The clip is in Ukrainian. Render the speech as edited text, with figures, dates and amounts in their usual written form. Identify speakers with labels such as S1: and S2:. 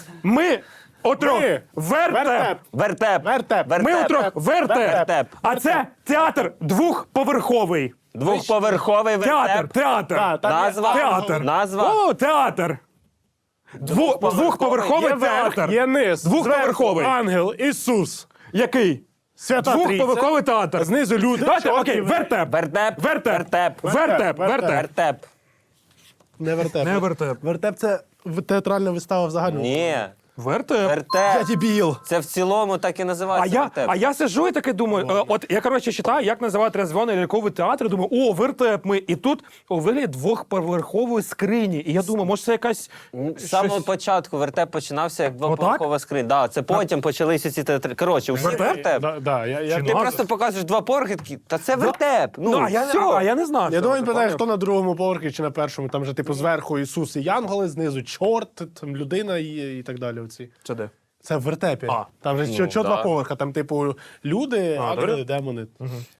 S1: Ми отрох вертеп.
S2: Вертеп.
S3: Вертеп.
S1: Ми отрох вертеп.
S2: Вертеп.
S1: А це театр двохповерховий.
S2: Двохповерховий
S1: Театр,
S2: вертеп.
S1: театр.
S2: Назва.
S1: Театр.
S2: Назва.
S1: О, театр. Двохповерховий
S3: Є верх,
S1: театр.
S3: є низ.
S1: Двохповерховий.
S3: Зверху ангел, Ісус,
S1: Який?
S3: Свята Трійця.
S1: Двохповерховий театр.
S3: Знизу люди.
S1: Давайте,
S3: чорні,
S1: окей, вертеп.
S2: Вертеп.
S1: Вертеп.
S2: Вертеп.
S1: Вертеп. Вертеп.
S2: Вертеп.
S3: Не вертеп.
S1: Не вертеп.
S3: Вертеп — це театральна вистава взагалі.
S2: Ні.
S1: Вертеп.
S3: Я
S2: Вертеп.
S3: дебіл.
S2: Це в цілому так і
S1: А
S2: називається вертеп.
S1: я сиджу і таки думаю, от я, коротше, читаю, як називають резвоний ляльковий театр, і думаю, о, вертеп ми. І тут у вигляді двохповерхової скрині. І я думаю, може це якась...
S2: З самого початку вертеп починався як двоповерхова скринь. Да, це потім почалися ці театри. Коротше, усі
S1: Вертеп?
S2: вертеп.
S3: Да, я
S2: Ти просто показуєш два поверхи, такі, та це вертеп.
S1: Ну,
S2: Ну,
S1: а я не знаю.
S3: думаю, він питає, хто на другому поверхі чи на першому. Там же, типу, зверху Ісус і янголи, знизу чорт, там людина і так далі. Оці.
S1: Це де?
S3: Це в вертепі.
S1: А.
S3: Там же що
S2: да.
S3: два поверха, там, типу, люди, ангели,
S1: добре.
S3: демони.